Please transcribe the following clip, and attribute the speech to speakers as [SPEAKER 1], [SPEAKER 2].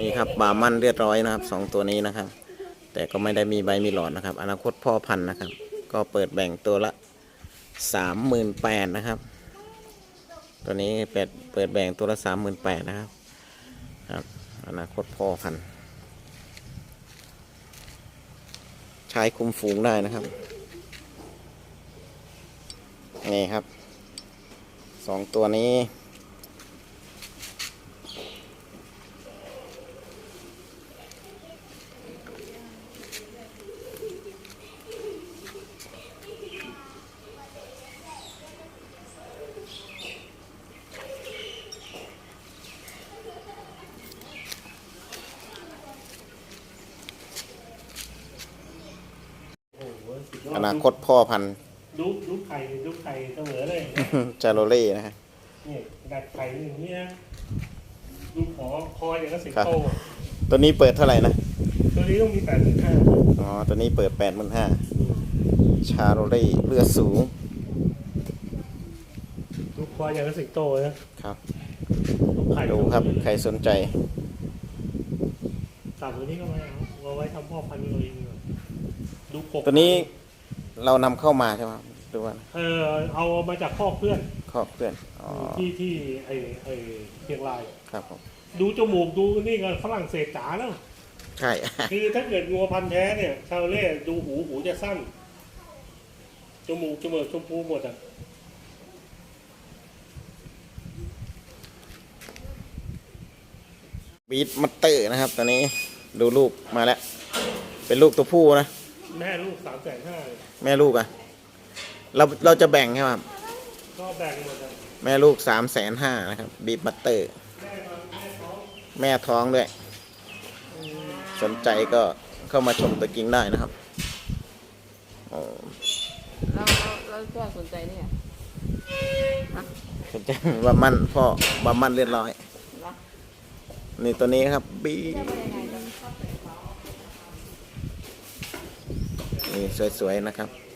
[SPEAKER 1] นี่ครับบาร์มันเรียบร้อยนะครับสองตัวนี้นะครับแต่ก็ไม่ได้มีใบมีหลอดนะครับอนาคตพ่อพันธุ์นะครับก็เปิดแบ่งตัวละ38,000นะครับตัวนี้เปิดแบ่งตัวละ38,000นะครับครับอนาคตพ่อพันธุ์ใช้คุมฝูงได้นะครับนี่ครับสองตัวนี้อนาคตพ่อพันธุ์
[SPEAKER 2] ดูไข่เสมอเลย
[SPEAKER 1] จาโรเล่นะฮะ
[SPEAKER 2] นี่ดัดไข่อย่างนี้นะดูคออย่างก็สิงโต
[SPEAKER 1] ตัวนี้เปิดเท่าไหร่นะ
[SPEAKER 2] ตัวนี้ต้องมี85,000
[SPEAKER 1] อ๋อตัวนี้เปิด85,000ชาโรเล่เลือดสูง
[SPEAKER 2] ดูคออย่างก็สิงโตนะครับ
[SPEAKER 1] ดูครับใครสนใจ
[SPEAKER 2] ตัดตัวนี้ก็ไม่เอาไว้ทำพ่อพันธุ์เราเองดูกบ
[SPEAKER 1] ตัวนี้เรานำเข้ามาใช่ไหมหรือว่า
[SPEAKER 2] เอามาจากข้อเพื่อนที่ไอเชียงราย
[SPEAKER 1] ครับผม
[SPEAKER 2] ดูจมูกดูนี่ก็ฝรั่งเศสจ๋าแล้ว
[SPEAKER 1] ใช่
[SPEAKER 2] คือถ้าเกิดงัวพันธุ์แท้เนี่ยชาวเล่ดูหูจะสั้นจมูกชมพูหมดอ่ะ
[SPEAKER 1] บีทมัตเตอร์นะครับตอนนี้ดูลูกมาแล้วเป็นลูกตัวผู้นะ
[SPEAKER 2] แม่ลูก350,000
[SPEAKER 1] แม่ลูกอ่ะเราจะแบ่งใช่ไหม
[SPEAKER 2] ก็แบ่งหมด
[SPEAKER 1] แม่ลูก350,000นะครับบีทมัตเตอร์แม่ท้องด้วยสนใจก็เข้ามาชมตัวกิ่งได้นะครับ
[SPEAKER 3] เราก็สนใจเนี่ย
[SPEAKER 1] สนใจบามันพ่อบามันเรียบร้อยนี่ตัวนี้ครับบีนี่สวยๆนะครับ